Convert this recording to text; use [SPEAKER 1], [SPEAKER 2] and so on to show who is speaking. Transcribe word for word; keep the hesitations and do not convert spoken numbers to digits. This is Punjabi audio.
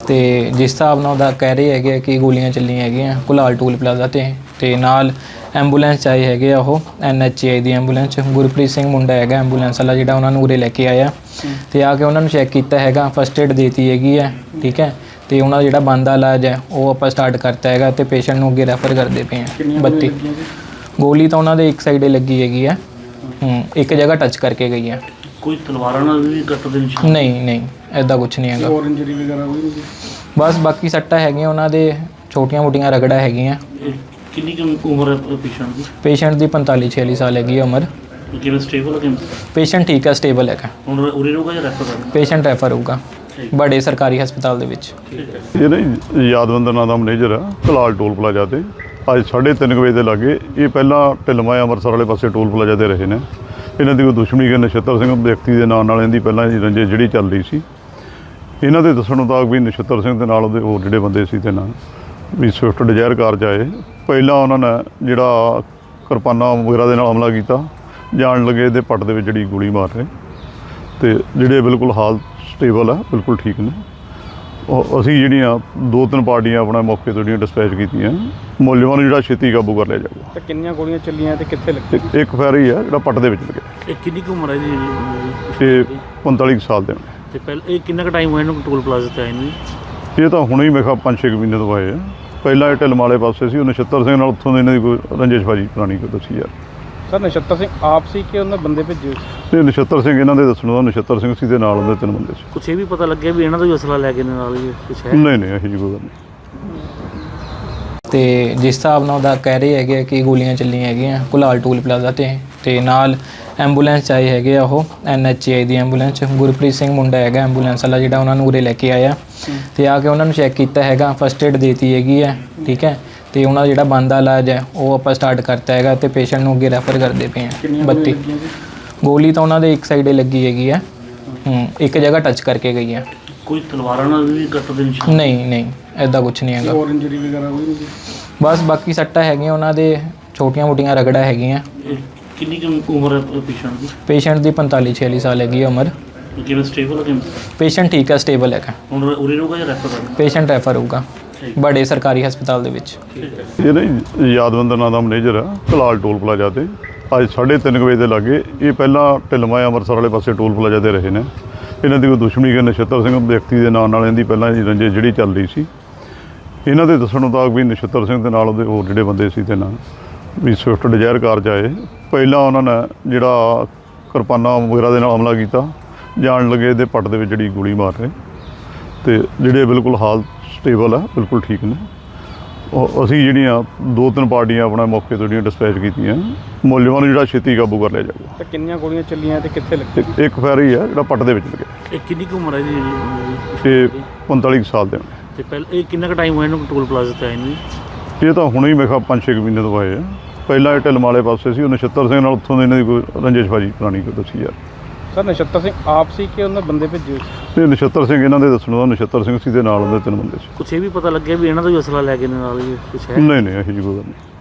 [SPEAKER 1] ਤੇ ਜਿਸ ਹਿਸਾਬ ਨਾਲ ਉਹਦਾ ਕਹਿ ਰਹੇ ਹੈਗੇ ਕਿ ਗੋਲੀਆਂ ਚੱਲੀਆਂ ਹੈਗੀਆਂ ਕੁਲਾਲ ਟੂਲ ਪਲਾਜ਼ਾ ਤੇ ਤੇ ਨਾਲ ਐਂਬੂਲੈਂਸ ਆਏ ਹੈਗੇ ਆ ਉਹ ਐਨ ਐਚ ਆਈ ਦੀ ਐਂਬੂਲੈਂਸ ਗੁਰਪ੍ਰੀਤ ਸਿੰਘ ਮੁੰਡਾ ਹੈਗਾ ਐਂਬੂਲੈਂਸ ਵਾਲਾ ਜਿਹੜਾ ਉਹਨਾਂ ਨੂੰ ਉਰੇ ਲੈ ਕੇ ਆਇਆ ਤੇ ਆ ਕੇ ਉਹਨਾਂ ਨੂੰ ਚੈੱਕ ਕੀਤਾ ਹੈਗਾ ਫਸਟ ਏਡ ਦੇਤੀ ਹੈਗੀ ਹੈ ਠੀਕ ਹੈ ਤੇ ਉਹਨਾਂ ਦਾ ਜਿਹੜਾ ਬਣਦਾ ਇਲਾਜ ਹੈ ਉਹ ਆਪਾਂ ਸਟਾਰਟ ਕਰਤਾ ਹੈਗਾ ਤੇ ਪੇਸ਼ੈਂਟ ਨੂੰ ਅੱਗੇ ਰੈਫਰ ਕਰਦੇ ਪਏ ਹਾਂ ਬੱਤੀ ਗੋਲੀ ਤਾਂ ਉਹਨਾਂ ਦੇ ਇੱਕ ਸਾਈਡੇ ਲੱਗੀ ਹੈਗੀ ਹੈ ਹੂੰ ਇੱਕ ਜਗ੍ਹਾ ਟੱਚ ਕਰਕੇ ਗਈ ਹੈ
[SPEAKER 2] ਕੋਈ ਤਲਵਾਰਾਂ ਨਾਲ ਵੀ ਕੱਟ ਦੇ ਨਿਸ਼ਾਨ
[SPEAKER 1] ਨਹੀਂ ਨਹੀਂ ਐਦਾਂ ਕੁਝ ਨਹੀਂ ਹੈਗਾ
[SPEAKER 3] ਹੋਰ ਇੰਜਰੀ ਵਗੈਰਾ ਹੋਈ ਨਹੀਂ
[SPEAKER 1] ਬਸ ਬਾਕੀ ਸੱਟਾਂ ਹੈਗੀਆਂ ਉਹਨਾਂ ਦੇ ਛੋਟੀਆਂ ਮੋਟੀਆਂ ਰਗੜਾ ਹੈਗੀਆਂ
[SPEAKER 2] ਕਿੰਨੀ ਕੁ ਉਮਰ ਹੈ ਪੇਸ਼ੈਂਟ ਦੀ
[SPEAKER 1] ਪੇਸ਼ੈਂਟ ਦੀ ਪੰਤਾਲੀ ਛਿਆਲੀ ਸਾਲ ਹੈਗੀ ਹੈ ਉਮਰ
[SPEAKER 2] ਕਿਵੇਂ ਸਟੇਬਲ ਹੈ ਕਿਵੇਂ
[SPEAKER 1] ਪੇਸ਼ੈਂਟ ਠੀਕ ਹੈ ਸਟੇਬਲ ਹੈਗਾ
[SPEAKER 2] ਹੁਣ ਉਰੇ ਰਹੂਗਾ ਜਾਂ ਰੈਫਰ ਕਰਨਾ
[SPEAKER 1] ਪੇਸ਼ੈਂਟ ਰੈਫਰ ਹੋਊਗਾ ਬੜੇ ਸਰਕਾਰੀ ਹਸਪਤਾਲ ਦੇ ਵਿੱਚ
[SPEAKER 4] ਇਹ ਨਾ ਯਾਦਵੰਦਰ ਨਾਂ ਦਾ ਮੈਨੇਜਰ ਆ ਕਲਾਲ ਟੋਲ ਪਲਾਜ਼ਾ ਤੇ ਅੱਜ ਸਾਢੇ ਤਿੰਨ ਵਜੇ ਦੇ ਲਾਗੇ ਇਹ ਪਹਿਲਾਂ ਢਿਲਮਾ ਅੰਮ੍ਰਿਤਸਰ ਵਾਲੇ ਪਾਸੇ ਟੋਲ ਪਲਾਜ਼ਾ ਤੇ ਰਹੇ ਨੇ ਇਹਨਾਂ ਦੀ ਕੋਈ ਦੁਸ਼ਮਣੀ ਕਿ ਨਛੱਤਰ ਸਿੰਘ ਵਿਅਕਤੀ ਦੇ ਨਾਂ ਨਾਲ ਇਹਦੀ ਪਹਿਲਾਂ ਹੀ ਰੰਜਿਸ਼ ਜਿਹੜੀ ਚੱਲ ਰਹੀ ਸੀ ਇਹਨਾਂ ਦੇ ਦੱਸਣ ਮੁਤਾਬਕ ਵੀ ਨਛੱਤਰ ਸਿੰਘ ਦੇ ਨਾਲ ਉਹਦੇ ਹੋਰ ਜਿਹੜੇ ਬੰਦੇ ਸੀ ਤੇ ਨਾਲ ਵੀ ਸਵਿਫਟ ਡਿਜ਼ਾਇਰ ਕਾਰ 'ਚ ਆਏ ਪਹਿਲਾਂ ਉਹਨਾਂ ਨੇ ਜਿਹੜਾ ਕਿਰਪਾਨਾਂ ਵਗੈਰਾ ਦੇ ਨਾਲ ਹਮਲਾ ਕੀਤਾ ਜਾਣ ਲੱਗੇ ਇਹਦੇ ਪੱਟ ਦੇ ਵਿੱਚ ਜਿਹੜੀ ਗੋਲੀ ਮਾਰ ਰਹੇ ਤੇ ਜਿਹੜੇ ਬਿਲਕੁਲ ਹਾਲ ਸਟੇਬਲ ਆ ਬਿਲਕੁਲ ਠੀਕ ਨੇ ਉਹ ਅਸੀਂ ਜਿਹੜੀਆਂ ਦੋ ਤਿੰਨ ਪਾਰਟੀਆਂ ਆਪਣਾ ਮੌਕੇ ਤੋਂ ਜਿਹੜੀਆਂ ਡਿਸਪੈਚ ਕੀਤੀਆਂ ਮੁਲਜ਼ਮਾਂ ਨੂੰ ਜਿਹੜਾ ਛੇਤੀ ਕਾਬੂ ਕਰ ਲਿਆ ਜਾਊਗਾ
[SPEAKER 3] ਤੇ ਕਿੰਨੀਆਂ ਗੋਲੀਆਂ ਚੱਲੀਆਂ ਤੇ ਕਿੱਥੇ ਲੱਗੀ
[SPEAKER 4] ਇੱਕ- ਇੱਕ ਫੈਰ ਹੀ ਆ ਜਿਹੜਾ ਪੱਟ ਦੇ ਵਿੱਚ ਲੱਗਿਆ
[SPEAKER 2] ਇਹ ਕਿੰਨੀ ਕੁ ਉਮਰ ਹੈ ਜੀ
[SPEAKER 4] ਤੇ ਪੰਤਾਲੀ ਕੁ ਸਾਲ ਦੇ ਨੇ
[SPEAKER 2] ਤੇ ਪਹਿਲਾਂ ਇਹ ਕਿੰਨਾ ਕੁ ਟਾਈਮ ਹੋਇਆ ਇਹਨੂੰ ਟੋਲ ਪਲਾਜ਼ਾ ਤੇ ਆਏ ਨੂੰ
[SPEAKER 4] ਇਹ ਤਾਂ ਹੁਣੇ ਹੀ ਮੇਰੇ ਖਿਆਲ ਪੰਜ ਛੇ ਕੁ ਮਹੀਨੇ ਤੋਂ ਆਏ ਆ ਪਹਿਲਾਂ ਇਹ ਢਿਲਮ ਵਾਲੇ ਪਾਸੇ ਸੀ ਉਹ ਨਛੱਤਰ ਸਿੰਘ ਨਾਲ ਉੱਥੋਂ ਦੇ ਇਹਨਾਂ ਦੀ ਕੋਈ ਰੰਜਿਸ਼ਬਾਜੀ ਪੁਰਾਣੀ ਕੋਈ ਦੱਸੀ ਯਾਰ
[SPEAKER 3] ਸਰ ਨਛੱਤਰ ਸਿੰਘ ਆਪ ਸੀ ਕਿ ਉਹਨਾਂ ਬੰਦੇ ਭੇਜੇ ਸੀ
[SPEAKER 4] ਤੇ ਨਛੱਤਰ ਸਿੰਘ ਇਹਨਾਂ ਦੇ ਦੱਸਣ ਦਾ ਨਛੱਤਰ ਸਿੰਘ ਸੀ ਦੇ ਨਾਲ ਉਹਦੇ ਤਿੰਨ ਬੰਦੇ ਸੀ
[SPEAKER 2] ਕੁਛ ਇਹ ਵੀ ਪਤਾ ਲੱਗਿਆ ਵੀ ਇਹਨਾਂ ਦਾ ਵੀ ਅਸਲਾ ਲੈ ਕੇ ਨਾਲ ਹੀ ਕੁਛ ਹੈ
[SPEAKER 4] ਨਹੀਂ ਨਹੀਂ ਇਹੋ ਜਿਹੀ ਕੋਈ ਗੱਲ ਨਹੀਂ
[SPEAKER 1] ਤੇ ਜਿਸ ਹਿਸਾਬ ਨਾਲ ਉਹਦਾ ਕਹਿ ਰਹੇ ਹੈਗੇ ਕਿ ਗੋਲੀਆਂ ਚੱਲੀਆਂ ਹੈਗੀਆਂ ਕੁਲਾਲ ਟੂਲ ਪਲਾਜ਼ਾ ਤੇ ਤੇ ਨਾਲ ਐਂਬੂਲੈਂਸ ਆਏ ਹੈਗੇ ਆ ਉਹ ਐਨ ਐਚ ਆਈ ਦੀ ਐਂਬੂਲੈਂਸ ਗੁਰਪ੍ਰੀਤ ਸਿੰਘ ਮੁੰਡਾ ਹੈਗਾ ਐਂਬੂਲੈਂਸ ਵਾਲਾ ਜਿਹੜਾ ਉਹਨਾਂ ਨੂੰ ਉਰੇ ਲੈ ਕੇ ਆਇਆ ਤੇ ਆ ਕੇ ਉਹਨਾਂ ਨੂੰ ਚੈੱਕ ਕੀਤਾ ਹੈਗਾ ਫਸਟ ਏਡ ਦੇਤੀ ਹੈਗੀ ਹੈ ਠੀਕ ਹੈ ਤੇ ਉਹਨਾਂ ਦਾ ਜਿਹੜਾ ਬਣਦਾ ਇਲਾਜ ਹੈ ਉਹ ਆਪਾਂ ਸਟਾਰਟ ਕਰਤਾ ਹੈਗਾ ਤੇ ਪੇਸ਼ੈਂਟ ਨੂੰ ਅੱਗੇ ਰੈਫਰ ਕਰਦੇ ਪਏ ਹਾਂ ਬੱਤੀ ਗੋਲੀ ਤਾਂ ਉਹਨਾਂ ਦੇ ਇੱਕ ਸਾਈਡੇ ਲੱਗੀ ਹੈਗੀ ਹੈ ਹੂੰ ਇੱਕ ਜਗ੍ਹਾ ਟੱਚ ਕਰਕੇ ਗਈ ਹੈ
[SPEAKER 2] ਕੋਈ ਤਲਵਾਰਾਂ ਨਾਲ ਵੀ ਕੱਟ ਦੇ ਨਿਸ਼ਾਨ
[SPEAKER 1] ਨਹੀਂ ਨਹੀਂ ਐਦਾਂ ਕੁਝ ਨਹੀਂ ਹੈਗਾ
[SPEAKER 3] ਹੋਰ ਇੰਜਰੀ ਵਗੈਰਾ ਹੋਈ ਨਹੀਂ
[SPEAKER 1] ਬਸ ਬਾਕੀ ਸੱਟਾਂ ਹੈਗੀਆਂ ਉਹਨਾਂ ਦੇ ਛੋਟੀਆਂ ਮੋਟੀਆਂ ਰਗੜਾ ਹੈਗੀਆਂ
[SPEAKER 2] ਕਿੰਨੀ ਕੁ ਉਮਰ ਹੈ ਪੇਸ਼ੈਂਟ ਦੀ
[SPEAKER 1] ਪੇਸ਼ੈਂਟ ਦੀ ਪੰਤਾਲੀ ਛਿਆਲੀ ਸਾਲ ਹੈਗੀ ਹੈ ਉਮਰ
[SPEAKER 2] ਕਿਵੇਂ ਸਟੇਬਲ ਹੈ ਕਿਵੇਂ
[SPEAKER 1] ਪੇਸ਼ੈਂਟ ਠੀਕ ਹੈ ਸਟੇਬਲ ਹੈਗਾ
[SPEAKER 2] ਹੁਣ ਉਰੇ ਰਹੂਗਾ ਜਾਂ ਰੈਫਰ ਕਰਨਾ
[SPEAKER 1] ਪੇਸ਼ੈਂਟ ਰੈਫਰ ਹੋਊਗਾ ਬੜੇ ਸਰਕਾਰੀ ਹਸਪਤਾਲ ਦੇ ਵਿੱਚ
[SPEAKER 4] ਇਹ ਨਾ ਯਾਦਵੰਦਰ ਨਾਂ ਦਾ ਮੈਨੇਜਰ ਆ ਕਲਾਲ ਟੋਲ ਪਲਾਜ਼ਾ ਤੇ ਅੱਜ ਸਾਢੇ ਤਿੰਨ ਵਜੇ ਦੇ ਲਾਗੇ ਇਹ ਪਹਿਲਾਂ ਢਿਲਮਾ ਅੰਮ੍ਰਿਤਸਰ ਵਾਲੇ ਪਾਸੇ ਟੋਲ ਪਲਾਜ਼ਾ ਤੇ ਰਹੇ ਨੇ ਇਹਨਾਂ ਦੀ ਕੋਈ ਦੁਸ਼ਮਣੀ ਕਿ ਨਛੱਤਰ ਸਿੰਘ ਵਿਅਕਤੀ ਦੇ ਨਾਂ ਨਾਲ ਇਹਦੀ ਪਹਿਲਾਂ ਹੀ ਰੰਜਿਸ਼ ਜਿਹੜੀ ਚੱਲ ਰਹੀ ਸੀ ਇਹਨਾਂ ਦੇ ਦੱਸਣ ਮੁਤਾਬਕ ਵੀ ਨਛੱਤਰ ਸਿੰਘ ਦੇ ਨਾਲ ਉਹਦੇ ਹੋਰ ਜਿਹੜੇ ਬੰਦੇ ਸੀ ਤੇ ਨਾਲ ਵੀ ਸਵਿਫਟ ਡਿਜ਼ਾਇਰ ਕਾਰ 'ਚ ਆਏ ਪਹਿਲਾਂ ਉਹਨਾਂ ਨੇ ਜਿਹੜਾ ਕਿਰਪਾਨਾਂ ਵਗੈਰਾ ਦੇ ਨਾਲ ਹਮਲਾ ਕੀਤਾ ਜਾਣ ਲੱਗੇ ਇਹਦੇ ਪੱਟ ਦੇ ਵਿੱਚ ਜਿਹੜੀ ਗੋਲੀ ਮਾਰ ਰਹੇ ਤੇ ਜਿਹੜੇ ਬਿਲਕੁਲ ਹਾਲ ਸਟੇਬਲ ਆ ਬਿਲਕੁਲ ਠੀਕ ਨੇ ਉਹ ਅਸੀਂ ਜਿਹੜੀਆਂ ਦੋ ਤਿੰਨ ਪਾਰਟੀਆਂ ਆਪਣਾ ਮੌਕੇ ਤੋਂ ਜਿਹੜੀਆਂ ਡਿਸਪੈਚ ਕੀਤੀਆਂ ਮੁਲਜ਼ਮਾਂ ਨੂੰ ਜਿਹੜਾ ਛੇਤੀ ਕਾਬੂ ਕਰ ਲਿਆ ਜਾਊਗਾ
[SPEAKER 3] ਤੇ ਕਿੰਨੀਆਂ ਗੋਲੀਆਂ ਚੱਲੀਆਂ ਤੇ ਕਿੱਥੇ ਲੱਗੀ
[SPEAKER 4] ਇੱਕ- ਇੱਕ ਫੈਰ ਹੀ ਆ ਜਿਹੜਾ ਪੱਟ ਦੇ ਵਿੱਚ ਲੱਗਿਆ
[SPEAKER 2] ਇਹ ਕਿੰਨੀ ਕੁ ਉਮਰ ਹੈ ਜੀ
[SPEAKER 4] ਤੇ ਪੰਤਾਲੀ ਕੁ ਸਾਲ ਦੇ ਨੇ
[SPEAKER 2] ਤੇ ਪਹਿਲਾਂ ਇਹ ਕਿੰਨਾ ਕੁ ਟਾਈਮ ਹੋਇਆ ਇਹਨੂੰ ਟੋਲ ਪਲਾਜ਼ਾ ਤੇ ਆਏ ਨੂੰ
[SPEAKER 4] ਇਹ ਤਾਂ ਹੁਣੇ ਹੀ ਮੇਰੇ ਖਿਆਲ ਪੰਜ ਛੇ ਕੁ ਮਹੀਨੇ ਤੋਂ ਆਏ ਆ ਪਹਿਲਾਂ ਇਹ ਢਿਲਮ ਵਾਲੇ ਪਾਸੇ ਸੀ ਉਹ ਨਛੱਤਰ ਸਿੰਘ ਨਾਲ ਉੱਥੋਂ ਦੇ ਇਹਨਾਂ ਦੀ ਕੋਈ ਰੰਜਿਸ਼ਬਾਜੀ ਪੁਰਾਣੀ ਕੋਈ ਦੱਸੀ ਯਾਰ
[SPEAKER 3] ਸਰ ਨਛੱਤਰ ਸਿੰਘ ਆਪ ਸੀ ਕਿ ਉਹਨਾਂ ਬੰਦੇ ਭੇਜੇ ਸੀ
[SPEAKER 4] ਤੇ ਨਛੱਤਰ ਸਿੰਘ ਇਹਨਾਂ ਦੇ ਦੱਸਣ ਦਾ ਨਛੱਤਰ ਸਿੰਘ ਸੀ ਦੇ ਨਾਲ ਉਹਦੇ ਤਿੰਨ ਬੰਦੇ ਸੀ
[SPEAKER 2] ਕੁਛ ਇਹ ਵੀ ਪਤਾ ਲੱਗਿਆ ਵੀ ਇਹਨਾਂ ਦਾ ਵੀ ਅਸਲਾ ਲੈ ਕੇ ਨਾਲ ਹੀ ਕੁਛ ਹੈ
[SPEAKER 4] ਨਹੀਂ ਨਹੀਂ ਇਹੋ ਜਿਹੀ ਕੋਈ ਗੱਲ ਨਹੀਂ